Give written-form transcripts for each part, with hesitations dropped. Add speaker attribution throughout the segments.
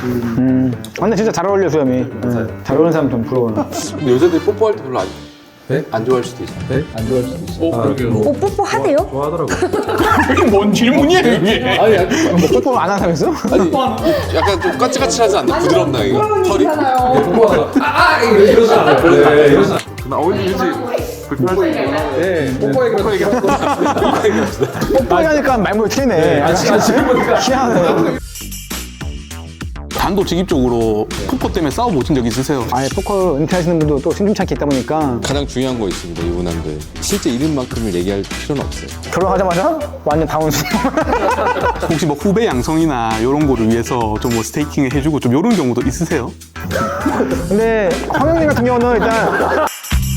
Speaker 1: 근데 진짜 잘 어울려 수염이. 잘 어울리는 사람 좀 부러워요.
Speaker 2: 근데 여자들이 뽀뽀할 때 별로 안 좋아할 수도 있어.
Speaker 3: 네?
Speaker 2: 안 좋아할 수도 있어.
Speaker 4: 뽀뽀 하대요?
Speaker 3: 좋아하더라고요.
Speaker 1: 이게 뭔 질문이야 이게?
Speaker 2: 아니,
Speaker 1: 뭐 뽀뽀 안 하는 사람 있어?
Speaker 2: 아니 약간 좀 까칠까칠하지 않나? 부드럽나 이거? 털이?
Speaker 3: 이러지 않아요. 네, 이러지 않아요.
Speaker 2: 나 어울리지.
Speaker 3: 뽀뽀 얘기
Speaker 1: 뽀뽀 하니까 말문이 트이네. 희한해.
Speaker 5: 단도직입적으로 포커 때문에 싸워보신 적 있으세요?
Speaker 1: 아예 포커 은퇴하시는 분도 또 심심찮게 있다 보니까
Speaker 2: 가장 중요한 거 있습니다. 유부남들 실제 이름만큼을 얘기할 필요는 없어요.
Speaker 1: 결혼하자마자 완전 다운수.
Speaker 5: 혹시 뭐 후배 양성이나 이런 거를 위해서 좀 뭐 스테이킹을 해주고 좀 이런 경우도 있으세요?
Speaker 1: 근데 황영민 같은 경우는 일단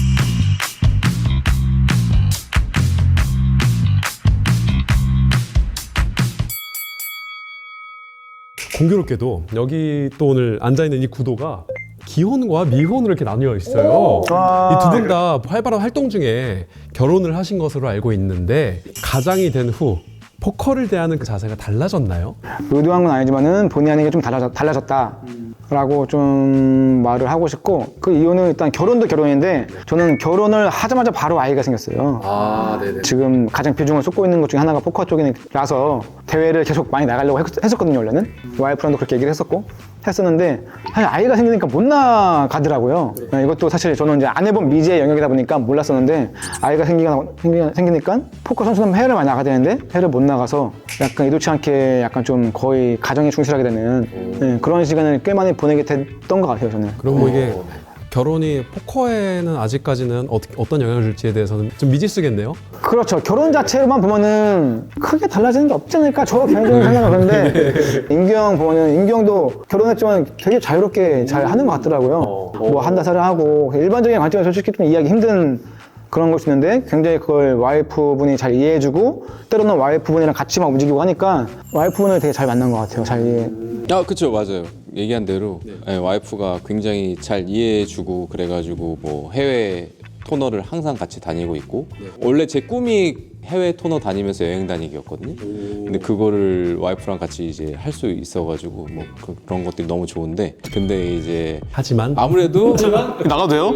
Speaker 3: 공교롭게도 여기 또 오늘 앉아있는 이 구도가 기혼과 미혼으로 이렇게 나뉘어 있어요. 이 두 분 다 활발한 활동 중에 결혼을 하신 것으로 알고 있는데 가장이 된 후 포커를 대하는 그 자세가 달라졌나요?
Speaker 1: 의도한 건 아니지만은 본의 아니게 좀 달라졌다라고 좀 말을 하고 싶고 그 이유는 일단 결혼도 결혼인데 저는 결혼을 하자마자 바로 아이가 생겼어요.
Speaker 2: 아, 네네.
Speaker 1: 지금 가장 비중을 쏟고 있는 것 중에 하나가 포커 쪽이라서 대회를 계속 많이 나가려고 했었거든요 원래는. 와이프랑도 그렇게 얘기를 했었는데 사실 아이가 생기니까 못 나가더라고요. 이것도 사실 저는 이제 안 해본 미지의 영역이다 보니까 몰랐었는데 아이가 생기니까 포커 선수는 해외를 많이 나가야 되는데 해외를 못 나가서 약간 의도치 않게 약간 좀 거의 가정에 충실하게 되는 그런 시간을 꽤 많이 보내게 됐던 것 같아요 저는.
Speaker 3: 그럼 뭐 이게 결혼이 포커에는 아직까지는 어떤 영향을 줄지에 대해서는 좀 미지수겠네요?
Speaker 1: 그렇죠. 결혼 자체로만 보면은 크게 달라지는 게 없지 않을까? 저 개인적인 생각은 그런데 인규형 보면은 인규형도 결혼했지만 되게 자유롭게 잘 하는 것 같더라고요. 뭐 한다 살을 하고 일반적인 관점에서 솔직히 좀 이해하기 힘든 그런 걸 수 있는데 굉장히 그걸 와이프분이 잘 이해해주고 때로는 와이프분이랑 같이 막 움직이고 하니까 와이프분을 되게 잘 만난 것 같아요. 잘 이해.
Speaker 2: 아, 그쵸, 맞아요. 얘기한 대로 네, 와이프가 굉장히 잘 이해해주고 그래가지고 뭐 해외 토너를 항상 같이 다니고 있고 원래 제 꿈이 해외 토너 다니면서 여행 다니기였거든요. 근데 그거를 와이프랑 같이 이제 할 수 있어가지고 뭐 그런 것들이 너무 좋은데 근데 이제
Speaker 3: 하지만
Speaker 2: 아무래도
Speaker 5: 나가도 돼요?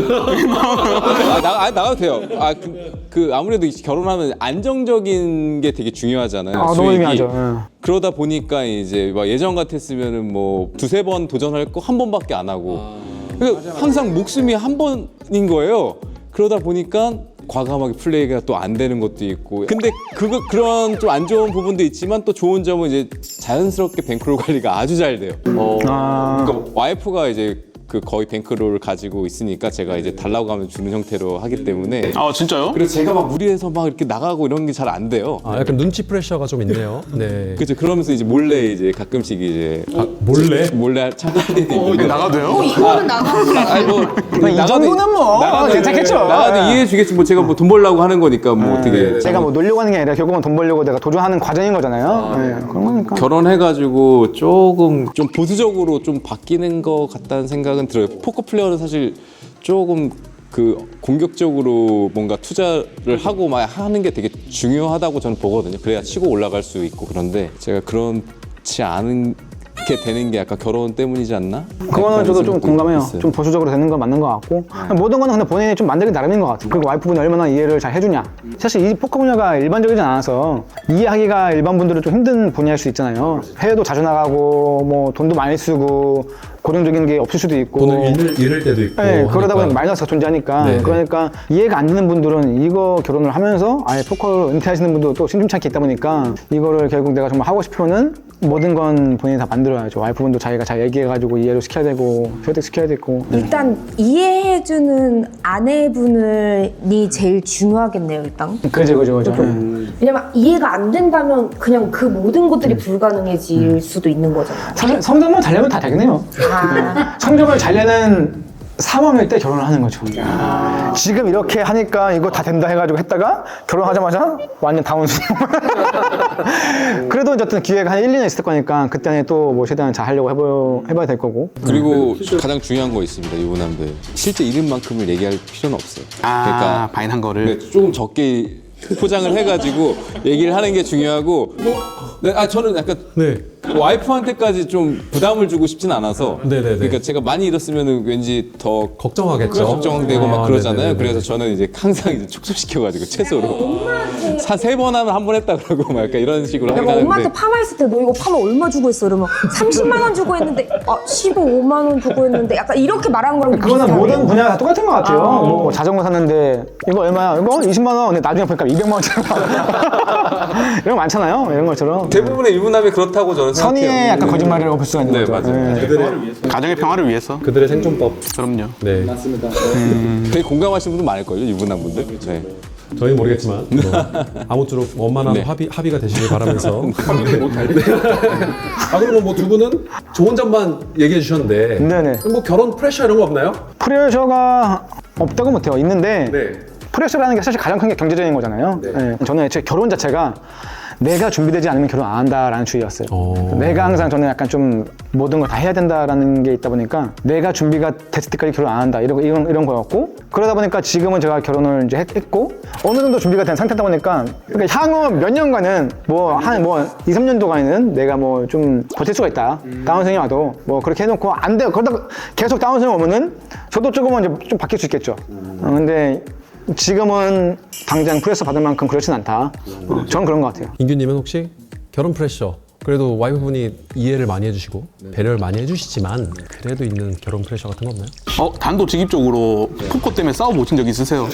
Speaker 2: 나가도 돼요. 아무래도 결혼하면 안정적인 게 되게 중요하잖아요.
Speaker 1: 너무
Speaker 2: 수익이.
Speaker 1: 중요하죠.
Speaker 2: 그러다 보니까 이제 막 예전 같았으면은 뭐 두세 번 도전할 거 한 번밖에 안 하고 그러니까 항상 목숨이 한 번인 거예요. 그러다 보니까 과감하게 플레이가 또 안 되는 것도 있고 근데 그런 좀 안 좋은 부분도 있지만 또 좋은 점은 이제 자연스럽게 뱅크롤 관리가 아주 잘 돼요. 그러니까 와이프가 이제 그 거의 뱅크롤을 가지고 있으니까 제가 이제 달라고 하면 주는 형태로 하기 때문에
Speaker 5: 아 진짜요?
Speaker 2: 그래서 제가 막 무리해서 막 이렇게 나가고 이런 게 잘 안 돼요.
Speaker 3: 약간 눈치 프레셔가 좀 있네요. 네.
Speaker 2: 그죠. 그러면서 이제 몰래 이제 가끔씩 이제 몰래 참가할 때도 있는데
Speaker 5: 나가도 돼요?
Speaker 4: 이거는 나가는
Speaker 2: 아니
Speaker 1: 이 정도는 뭐 괜찮겠죠.
Speaker 2: 나가도 이해해 주겠지. 뭐 제가 뭐 돈 벌려고 하는 거니까 뭐 어떻게
Speaker 1: 제가 뭐 놀려고 하는 게 아니라 결국은 돈 벌려고 내가 도전하는 과정인 거잖아요. 네, 그런 거니까.
Speaker 2: 결혼해가지고 조금 좀 보수적으로 좀 바뀌는 것 같다는 생각은 들어요. 포커 플레이어는 사실 조금 그 공격적으로 뭔가 투자를 하고 막 하는 게 되게 중요하다고 저는 보거든요. 그래야 치고 올라갈 수 있고 그런데 제가 그렇지 않은 게 되는 게 약간 결혼 때문이지 않나?
Speaker 1: 그거는 저도 좀 공감해요.
Speaker 2: 있어요.
Speaker 1: 좀 보수적으로 되는 건 맞는 것 같고 모든 거는 근데 본인이 좀 만들기 나름인 것 같아요. 그리고 와이프분이 얼마나 이해를 잘 해주냐. 사실 이 포커 분야가 일반적이지 않아서 이해하기가 일반 분들은 좀 힘든 분야일 수 있잖아요. 해외도 자주 나가고 뭐 돈도 많이 쓰고 고정적인 게 없을 수도 있고
Speaker 3: 돈을 잃을 때도 있고
Speaker 1: 네, 그러다 보니
Speaker 3: 하니까.
Speaker 1: 마이너스가 존재하니까
Speaker 3: 네.
Speaker 1: 그러니까 이해가 안 되는 분들은 이거 결혼을 하면서 아예 포커를 은퇴하시는 분도 또 심심찮게 있다 보니까 이거를 결국 내가 정말 하고 싶으면은 모든 건 본인이 다 만들어야죠. 와이프분도 자기가 잘 얘기해가지고 이해를 시켜야 되고 설득시켜야 되고
Speaker 4: 일단 이해해주는 아내분이 제일 중요하겠네요 일단.
Speaker 1: 그죠.
Speaker 4: 왜냐면 이해가 안 된다면 그냥 그 모든 것들이 불가능해질 수도 있는 거잖아요.
Speaker 1: 성적만 잘 내면 다 되겠네요. 성적을 잘 내는 상황일 때 결혼을 하는 거죠. 지금 이렇게 하니까 이거 다 된다 해가지고 했다가 결혼하자마자 완전 다운수. 그래도 어쨌든 기회가 한 1, 2년 있을 거니까 그때 안에 또 뭐 최대한 잘 하려고 해봐야 될 거고.
Speaker 2: 그리고 가장 중요한 거 있습니다. 유부남들 실제 이름만큼을 얘기할 필요는 없어요.
Speaker 5: 아 바인한 거를
Speaker 2: 네, 조금 적게 포장을 해가지고 얘기를 하는 게 중요하고 저는 약간
Speaker 3: 네.
Speaker 2: 와이프한테까지 좀 부담을 주고 싶진 않아서.
Speaker 3: 네네네.
Speaker 2: 그러니까 제가 많이 잃었으면 왠지 더
Speaker 3: 걱정하겠죠.
Speaker 2: 걱정되고 막 그러잖아요.
Speaker 3: 네네네.
Speaker 2: 그래서 저는 이제 항상 이제 축소시켜가지고 최소로 3번 하면 한 번 했다 그러고 막 약간 이런 식으로
Speaker 4: 내가 엄마한테
Speaker 2: 하는데.
Speaker 4: 파마했을 때 너 이거 파마 얼마 주고 했어? 이러면 30만 원 주고 했는데 15만 원 주고 했는데 약간 이렇게 말하는 거랑
Speaker 1: 그거는
Speaker 4: 비슷하네.
Speaker 1: 모든 분야가 다 똑같은 것 같아요. 뭐 자전거 샀는데 이거 얼마야? 이거 20만 원. 근데 나중에 보니까 200만 원짜리 이런 거 많잖아요. 이런 것처럼
Speaker 2: 대부분의 유부남이 그렇다고 저는
Speaker 1: 선의의
Speaker 2: 생각해요.
Speaker 1: 약간 거짓말이라고 볼 수가 있는
Speaker 2: 네,
Speaker 1: 거죠.
Speaker 2: 맞아요.
Speaker 1: 네.
Speaker 5: 가정의 평화를 위해서.
Speaker 3: 그들의 생존법.
Speaker 5: 그럼요.
Speaker 3: 네.
Speaker 2: 되게 공감하시는 분들 많을걸요, 유부남분들. 네.
Speaker 3: 저희는 모르겠지만 아무쪼록 원만한
Speaker 2: 네.
Speaker 3: 합의가 되시길 바라면서. 아 그러면 뭐 두 분은 좋은 점만 얘기해 주셨는데.
Speaker 1: 네네.
Speaker 3: 뭐 결혼 프레셔 이런 거 없나요?
Speaker 1: 프레셔가 없다고 못해요. 있는데
Speaker 3: 네.
Speaker 1: 프레셔라는 게 사실 가장 큰 게 경제적인 거잖아요. 네. 저는 애초에 결혼 자체가 내가 준비되지 않으면 결혼 안 한다라는 주의였어요. 내가 항상 저는 약간 좀 모든 걸 다 해야 된다라는 게 있다 보니까 내가 준비가 됐을 때까지 결혼 안 한다 이런 거였고, 그러다 보니까 지금은 제가 결혼을 이제 했고 어느 정도 준비가 된 상태다 보니까 그러니까 향후 몇 년간은 뭐 2, 3년도간은 내가 뭐 좀 버틸 수가 있다. 다운생이 와도 뭐 그렇게 해놓고 안 돼요. 그러다가 계속 다운생이 오면은 저도 조금은 이제 좀 바뀔 수 있겠죠. 근데 지금은 당장 프레셔 받을 만큼 그렇진 않다. 저는 그런 것 같아요.
Speaker 3: 인규님은 혹시 결혼 프레셔 그래도 와이프분이 이해를 많이 해주시고 배려를 많이 해주시지만 그래도 있는 결혼 프레셔 같은 거 없나요?
Speaker 5: 단도직입적으로 포커 때문에 싸워보신 적 있으세요?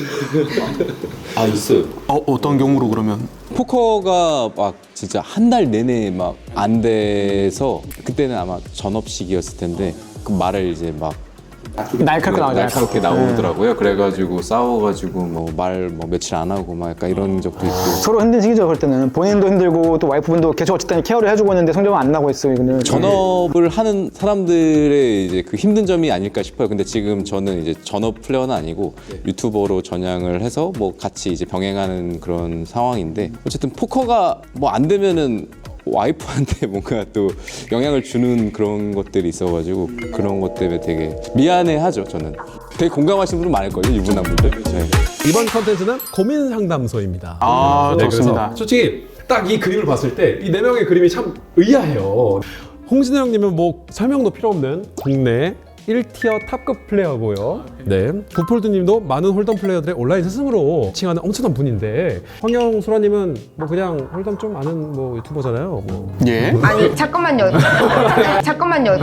Speaker 2: 아, 있어요.
Speaker 5: 어떤 경우로 그러면?
Speaker 2: 포커가 막 진짜 한 달 내내 막 안 돼서 그때는 아마 전업식이었을 텐데 그 말을 이제 막
Speaker 1: 날카롭게 나오죠.
Speaker 2: 날카롭게 나오더라고요. 그래가지고 싸워가지고 뭐 말 며칠 안 하고 막 약간 이런 적도 있고.
Speaker 1: 서로 힘든 시기죠. 그럴 때는 본인도 힘들고 또 와이프분도 계속 어쨌든 케어를 해주고 있는데 성적은 안 나고 있어요. 이거는.
Speaker 2: 전업을 하는 사람들의 이제 그 힘든 점이 아닐까 싶어요. 근데 지금 저는 이제 전업 플레이어는 아니고 유튜버로 전향을 해서 뭐 같이 이제 병행하는 그런 상황인데 어쨌든 포커가 뭐 안 되면은 와이프한테 뭔가 또 영향을 주는 그런 것들이 있어가지고 그런 것 때문에 되게 미안해하죠. 저는 되게 공감하시는 분들 많을걸요, 유부남분들. 네.
Speaker 3: 이번 컨텐츠는 고민 상담소입니다.
Speaker 5: 좋습니다.
Speaker 3: 그래서 솔직히 딱 이 그림을 봤을 때 이 네 명의 그림이 참 의아해요. 홍진호 형님은 뭐 설명도 필요 없는 국내 1티어 탑급 플레이어고요. 네. 부폴드님도 많은 홀덤 플레이어들의 온라인 스승으로 칭하는 엄청난 분인데 황영 수라님은 뭐 그냥 홀덤 좀 아는 뭐 유튜버잖아요. 뭐.
Speaker 5: 예.
Speaker 4: 아니 잠깐만요. 잠깐만요.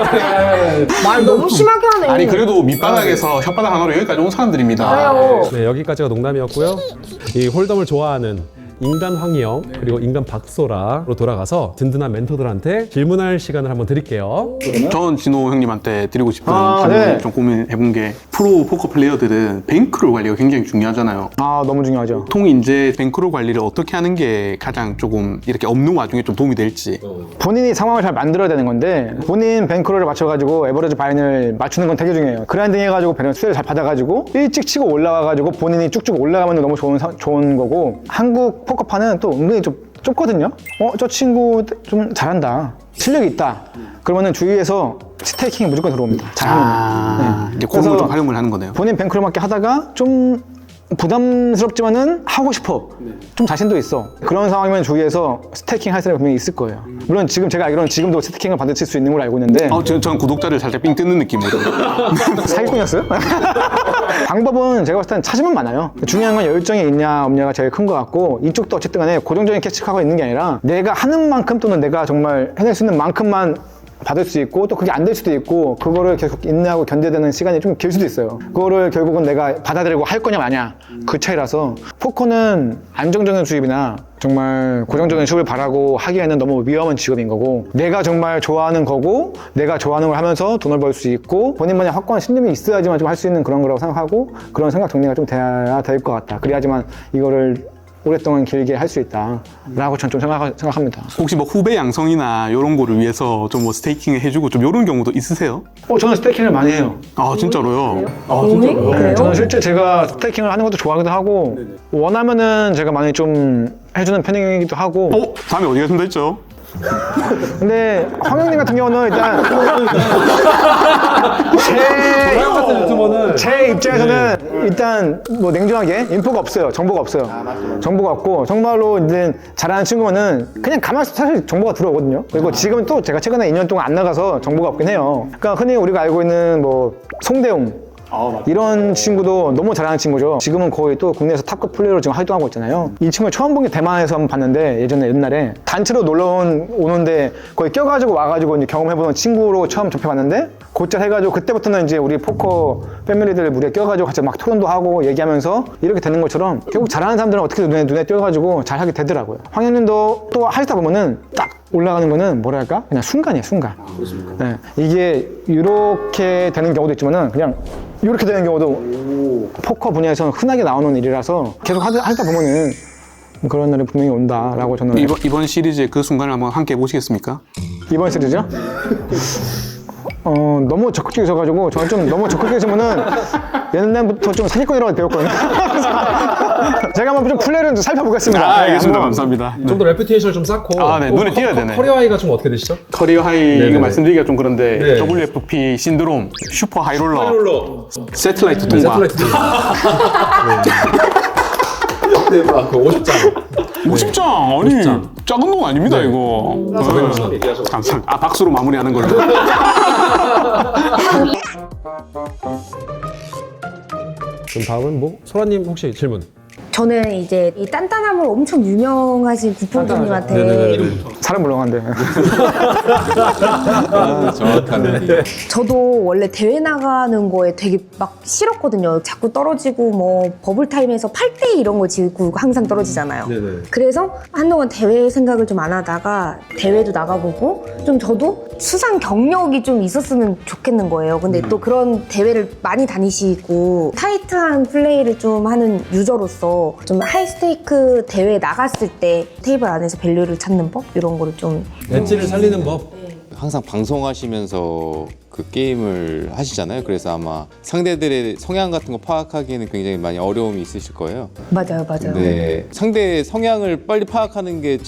Speaker 4: 말 너무 심하게 하네.
Speaker 5: 아니 그래도 밑바닥에서 혓바닥 하나로 여기까지 온 사람들입니다.
Speaker 4: 그래요.
Speaker 3: 네, 여기까지가 농담이었고요. 이 홀덤을 좋아하는 인간 황희영 그리고 인간 박소라로 돌아가서 든든한 멘토들한테 질문할 시간을 한번 드릴게요.
Speaker 5: 전 진호 형님한테 드리고 싶은
Speaker 1: 아,
Speaker 5: 질문을
Speaker 1: 네.
Speaker 5: 좀 고민해본 게 프로 포커 플레이어들은 뱅크롤 관리가 굉장히 중요하잖아요.
Speaker 1: 너무 중요하죠.
Speaker 5: 보통 이제 뱅크롤 관리를 어떻게 하는 게 가장 조금 이렇게 없는 와중에 좀 도움이 될지.
Speaker 1: 본인이 상황을 잘 만들어야 되는 건데 본인 뱅크롤을 맞춰가지고 에버리지 바인을 맞추는 건 되게 중요해요. 그라인딩 해가지고 배는 수혜를 잘 받아가지고 일찍 치고 올라가가지고 본인이 쭉쭉 올라가면 너무 좋은 거고, 한국 포커판은 또 은근히 좀 좁거든요. 저 친구 좀 잘한다, 실력이 있다, 그러면은 주위에서 스테이킹이 무조건 들어옵니다. 잘하면.
Speaker 5: 이제 그런 걸 좀 활용을 하는 거네요.
Speaker 1: 본인 뱅크롤 맞게 하다가 좀 부담스럽지만은 하고 싶어. 좀 자신도 있어. 그런 상황이면 주위에서 스테이킹 할 사람이 분명히 있을 거예요. 물론 지금 제가 알기로는 지금도 스테이킹을 받으실 수 있는 걸로 알고 있는데
Speaker 5: 전 구독자를 살짝 삥 뜯는 느낌으로.
Speaker 1: 사기꾼이었어요? 방법은 제가 봤을 때는 찾으면 많아요. 중요한 건 열정이 있냐 없냐가 제일 큰 것 같고, 이쪽도 어쨌든 간에 고정적인 캐치하고 있는 게 아니라 내가 하는 만큼 또는 내가 정말 해낼 수 있는 만큼만 받을 수 있고, 또 그게 안 될 수도 있고, 그거를 계속 인내하고 견뎌내는 시간이 좀 길 수도 있어요. 그거를 결국은 내가 받아들이고 할 거냐 마냐 그 차이라서, 포커는 안정적인 수입이나 정말 고정적인 수입을 바라고 하기에는 너무 위험한 직업인 거고, 내가 정말 좋아하는 거고 내가 좋아하는 걸 하면서 돈을 벌 수 있고 본인만의 확고한 신념이 있어야지만 좀 할 수 있는 그런 거라고 생각하고, 그런 생각 정리가 좀 돼야 될 것 같다. 그래야지만 이거를 오랫동안 길게 할 수 있다라고 전 좀 생각합니다.
Speaker 5: 혹시 뭐 후배 양성이나 이런 거를 위해서 좀 뭐 스테이킹을 해주고 좀 이런 경우도 있으세요?
Speaker 1: 저는 스테이킹을 많이 해요.
Speaker 5: 아 진짜로요?
Speaker 4: 그래요?
Speaker 1: 저는 실제 제가 스테이킹을 하는 것도 좋아하기도 하고, 원하면은 제가 많이 좀 해주는 편이기도 하고.
Speaker 5: 다음에 어디 가신다 했죠?
Speaker 1: 근데 황영님 같은 경우는 일단
Speaker 3: 같은 유튜버는
Speaker 1: 제 입장에서는 일단 뭐 냉정하게 인포가 없어요. 정보가 없어요. 정보가 없고 정말로 이제 잘하는 친구면은 그냥 가만히 있어도 사실 정보가 들어오거든요. 그리고 지금은 또 제가 최근에 2년 동안 안 나가서 정보가 없긴 해요. 그러니까 흔히 우리가 알고 있는 뭐 송대웅 이런 친구도 너무 잘하는 친구죠. 지금은 거의 또 국내에서 탑급 플레이어로 지금 활동하고 있잖아요. 이 친구를 처음 본 게 대만에서 한번 봤는데 옛날에 단체로 놀러 오는데 거의 껴가지고 와가지고 이제 경험해보는 친구로 처음 접해봤는데 곧잘 해가지고 그때부터는 이제 우리 포커 패밀리들 무리에 껴가지고 같이 막 토론도 하고 얘기하면서 이렇게 되는 것처럼 결국 잘하는 사람들은 어떻게든 눈에 띄어가지고 잘하게 되더라고요. 황현님도 또 하시다 보면은 딱 올라가는 거는 뭐랄까 그냥 순간이에요, 순간. 네, 이게 이렇게 되는 경우도 있지만은 그냥 이렇게 되는 경우도 포커 분야에서는 흔하게 나오는 일이라서 계속 하다 보면은 그런 날이 분명히 온다라고 저는
Speaker 5: 이번 시리즈의 그 순간을 한번 함께 보시겠습니까?
Speaker 1: 이번 시리즈요? 너무 적극적이셔가지고 저는 좀 너무 적극적이시면은 옛날부터 좀 사기꾼이라고 배웠거든요. 제가 한번 좀 플레이를 좀 살펴보겠습니다.
Speaker 5: 알겠습니다.
Speaker 1: 네,
Speaker 5: 감사합니다.
Speaker 3: 좀 더 레퓨테이션을 좀 쌓고
Speaker 5: 네. 눈에 띄어야 되네.
Speaker 3: 커리어 하이가 좀 어떻게 되시죠?
Speaker 5: 커리어 하이
Speaker 3: 네네네.
Speaker 5: 이거 말씀드리기가 좀 그런데
Speaker 3: 네.
Speaker 5: WFP 신드롬, 슈퍼 하이롤러, 세틀라이트 통과.
Speaker 3: 세틀라이트 네. 그 50장
Speaker 5: 50장 아니
Speaker 3: 50장.
Speaker 5: 작은 돈 아닙니다 이거. 감사합니다. 박수로 마무리하는 걸로.
Speaker 3: 그럼 다음은 뭐 소라님 혹시 질문?
Speaker 4: 저는 이제 이 단단함을 엄청 유명하신 구포님한테
Speaker 1: 사람 물렁한데.
Speaker 2: 정확하네.
Speaker 4: 저도 원래 대회 나가는 거에 되게 막 싫었거든요. 자꾸 떨어지고 뭐 버블타임에서 8대 이런 거 지고 항상 떨어지잖아요. 그래서 한동안 대회 생각을 좀 안 하다가 대회도 나가보고 좀 저도 수상 경력이 좀 있었으면 좋겠는 거예요. 근데 또 그런 대회를 많이 다니시고 타이트한 플레이를 좀 하는 유저로서 좀 하이스테이크 대회 나갔을 때 테이블 안에서 밸류를 찾는 법? 이런 거를 좀
Speaker 3: 엣지를 살리는 법.
Speaker 2: 항상 방송하시면서 그 게임을 하시잖아요. 그래서 아마 상대들의 성향 같은 거 파악하기에는 굉장히 많이 어려움이 있으실 거예요.
Speaker 4: 맞아요.
Speaker 2: 네, 상대의 성향을 빨리 파악하는 게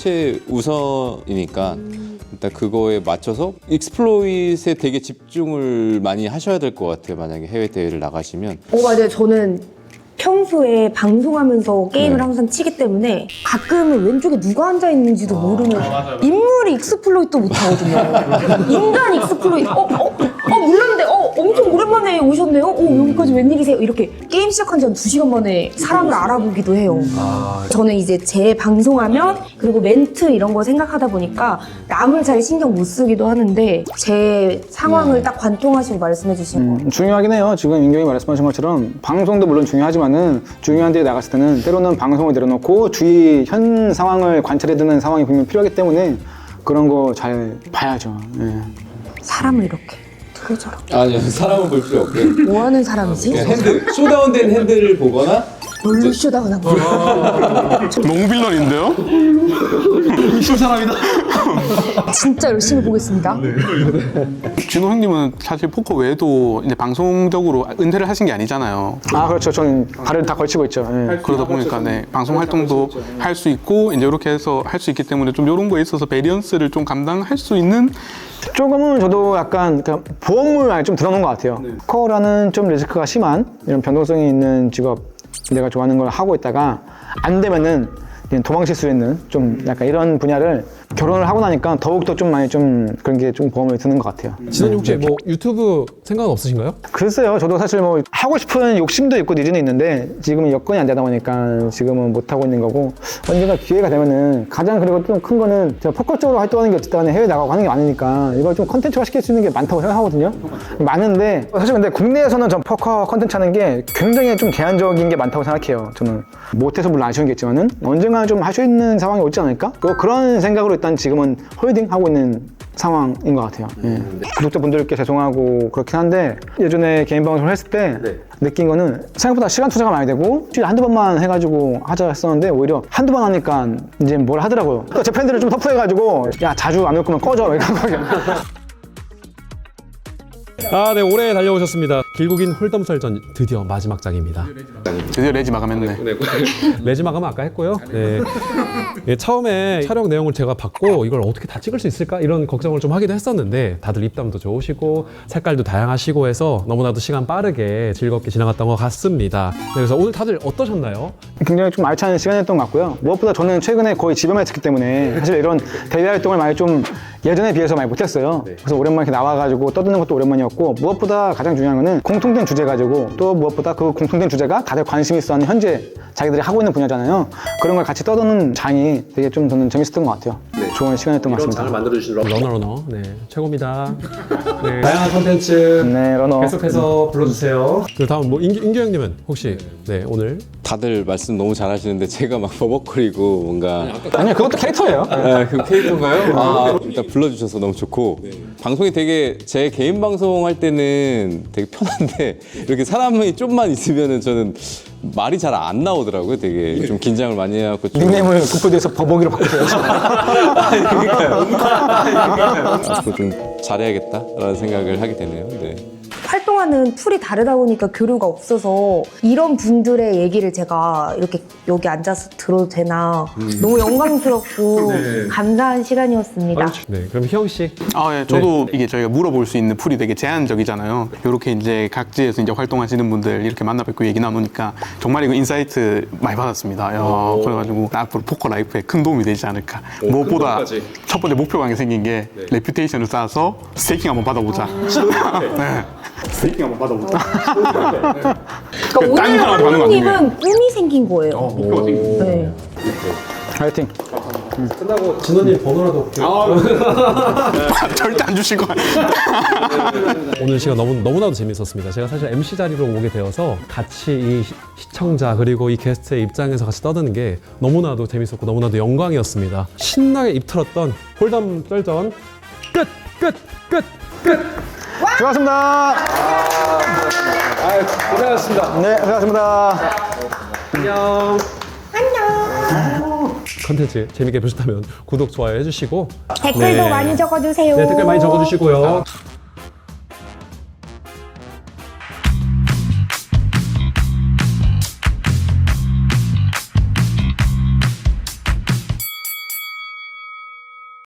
Speaker 2: 최우선이니까 일단 그거에 맞춰서 익스플로잇에 되게 집중을 많이 하셔야 될 것 같아요. 만약에 해외 대회를 나가시면.
Speaker 4: 맞아요. 저는 평소에 방송하면서 게임을 항상 치기 때문에 가끔은 왼쪽에 누가 앉아 있는지도 모르는 인물이 익스플로이트 못 하거든요. 인간 익스플로이트. 몰랐는데 엄청 오랜만에 오셨네요. 여기까지 웬일이세요? 이렇게 게임 시작한 지 한 2시간 만에 사람을 알아보기도 해요. 저는 이제 제 방송하면 그리고 멘트 이런 거 생각하다 보니까 남을 잘 신경 못 쓰기도 하는데 제 상황을 딱 관통하시고 말씀해 주신 거.
Speaker 1: 중요하긴 해요. 지금 인경이 말씀하신 것처럼 방송도 물론 중요하지만은 중요한 데에 나갔을 때는 때로는 방송을 내려놓고 주위 현 상황을 관찰해두는 상황이 분명히 필요하기 때문에 그런 거 잘 봐야죠. 예.
Speaker 4: 사람을 이렇게 저렇게
Speaker 2: 아니요, 사람은 볼 필요 없고요.
Speaker 4: 뭐 하는 사람이지?
Speaker 2: 핸드, 쇼다운된 핸들을 보거나
Speaker 4: 뭘로 쇼다운한 거야?
Speaker 5: 농빌런인데요?
Speaker 3: 이쁜 사람이다.
Speaker 4: 진짜 열심히 보겠습니다.
Speaker 5: 진호 형님은 사실 포커 외에도 이제 방송적으로 은퇴를 하신 게 아니잖아요.
Speaker 1: 그렇죠. 저는 발을 다 걸치고 있죠. 예.
Speaker 5: 그러다 보니까 네, 방송 활동도 할 수 있고 이제 이렇게 해서 할 수 있기 때문에 좀 이런 거에 있어서 베리언스를 좀 감당할 수 있는
Speaker 1: 조금은 저도 약간 그냥 보험을 많이 좀 들어놓은 것 같아요. 코어라는 좀 리스크가 심한 이런 변동성이 있는 직업 내가 좋아하는 걸 하고 있다가 안 되면은 그냥 도망칠 수 있는 좀 약간 이런 분야를 결혼을 하고 나니까 더욱더 좀 많이 좀 그런 게 좀 보험을 드는 것 같아요.
Speaker 3: 진원님 혹시 뭐 유튜브 생각은 없으신가요?
Speaker 1: 글쎄요, 저도 사실 뭐 하고 싶은 욕심도 있고 니즈는 있는데 지금은 여건이 안 되다 보니까 지금은 못 하고 있는 거고 언젠가 기회가 되면은 가장 그리고 좀 큰 거는 제가 포커 쪽으로 활동하는 게 어쨌든 간에 해외 나가고 하는 게 많으니까 이걸 좀 컨텐츠화 시킬 수 있는 게 많다고 생각하거든요. 많은데 사실 근데 국내에서는 전 포커 컨텐츠 하는 게 굉장히 좀 제한적인 게 많다고 생각해요. 저는 못해서 물론 아쉬운 게 있지만은 언젠가 좀 할 수 있는 상황이 오지 않을까? 그런 생각으로 일단 지금은 홀딩 하고 있는 상황인 것 같아요. 예. 구독자분들께 죄송하고 그렇긴 한데 예전에 개인 방송을 했을 때 느낀 거는 생각보다 시간 투자가 많이 되고 일주일에 한두 번만 해가지고 하자 했었는데 오히려 한두 번 하니까 이제 뭘 하더라고요. 또 제 팬들을 좀 터프해가지고 야 자주 안 올 거면 꺼져 이런 거.
Speaker 3: 네, 오래 달려오셨습니다. 길고 긴 홀덤설전 드디어 마지막 장입니다.
Speaker 5: 드디어 레지 마감했네.
Speaker 3: 레지 마감은 아까 했고요. 네. 예, 처음에 촬영 내용을 제가 받고 이걸 어떻게 다 찍을 수 있을까 이런 걱정을 좀 하기도 했었는데 다들 입담도 좋으시고 색깔도 다양하시고 해서 너무나도 시간 빠르게 즐겁게 지나갔던 것 같습니다. 네, 그래서 오늘 다들 어떠셨나요?
Speaker 1: 굉장히 좀 알찬 시간이었던 것 같고요. 무엇보다 저는 최근에 거의 집에만 있었기 때문에 사실 이런 대외 활동을 많이 좀 예전에 비해서 많이 못했어요. 그래서 오랜만에 이렇게 나와가지고 떠드는 것도 오랜만이었고 무엇보다 가장 중요한 거는 공통된 주제 가지고 또 무엇보다 그 공통된 주제가 다들 관심이 있어하는 현재 자기들이 하고 있는 분야잖아요. 그런 걸 같이 떠드는 장이 되게 좀 저는 재밌었던 것 같아요. 좋은 시간이었던 것 같습니다.
Speaker 3: 만들어주신 러너, 네, 최고입니다. 네, 다양한 컨텐츠
Speaker 1: 네, 러너.
Speaker 3: 계속해서 불러주세요. 그 다음 뭐 인규 형님은 혹시 네 오늘
Speaker 2: 다들 말씀 너무 잘하시는데 제가 막 버벅거리고 뭔가
Speaker 1: 아니요, 그것도 캐릭터예요.
Speaker 2: 그 캐릭터인가요? 아, 일단 불러주셔서 너무 좋고 방송이 되게 제 개인 방송 할 때는 되게 편한데 이렇게 사람이 좀만 있으면은 저는 말이 잘 안 나오더라고요. 되게 좀 긴장을 많이 해갖고 좀
Speaker 1: 닉네임을 국보대에서 버벅이로 바꾸세요.
Speaker 2: 앞으로 좀 잘해야겠다라는 생각을 하게 되네요. 네.
Speaker 4: 활동하는 풀이 다르다 보니까 교류가 없어서 이런 분들의 얘기를 제가 이렇게 여기 앉아서 들어도 되나 너무 영광스럽고 감사한 시간이었습니다.
Speaker 3: 네 그럼 희영 씨
Speaker 5: 예, 저도 이게 저희가 물어볼 수 있는 풀이 되게 제한적이잖아요. 이렇게 이제 각지에서 이제 활동하시는 분들 이렇게 만나 뵙고 얘기 나누니까 정말 이거 인사이트 많이 받았습니다. 그래가지고 앞으로 포커 라이프에 큰 도움이 되지 않을까. 무엇보다 첫 번째 목표가 하나 생긴 게 레퓨테이션을 쌓아서 스테이킹 한번 받아보자. 네. 스테이킹 한번 받아보자.
Speaker 4: 그러니까
Speaker 5: 딴
Speaker 4: 오늘
Speaker 5: 사람한테 받는 거
Speaker 4: 감독님은 꿈이 생긴 거예요.
Speaker 5: 목표가 생긴 거.
Speaker 4: 네.
Speaker 1: 화이팅.
Speaker 3: 끝나고 진호님 번호라도
Speaker 5: 절대 안 주실 거야.
Speaker 3: 오늘 시간 너무나도 재밌었습니다. 제가 사실 MC 자리로 오게 되어서 같이 이 시청자 그리고 이 게스트의 입장에서 같이 떠드는 게 너무나도 재밌었고 너무나도 영광이었습니다. 신나게 입틀었던 홀담 썰전 끝!
Speaker 1: 수고하셨습니다.
Speaker 3: 고생하셨습니다.
Speaker 1: 네, 수고하셨습니다.
Speaker 3: 안녕. 컨텐츠 재밌게 보셨다면 구독, 좋아요 해주시고
Speaker 4: 댓글도 많이 적어주세요.
Speaker 3: 네, 댓글 많이 적어주시고요.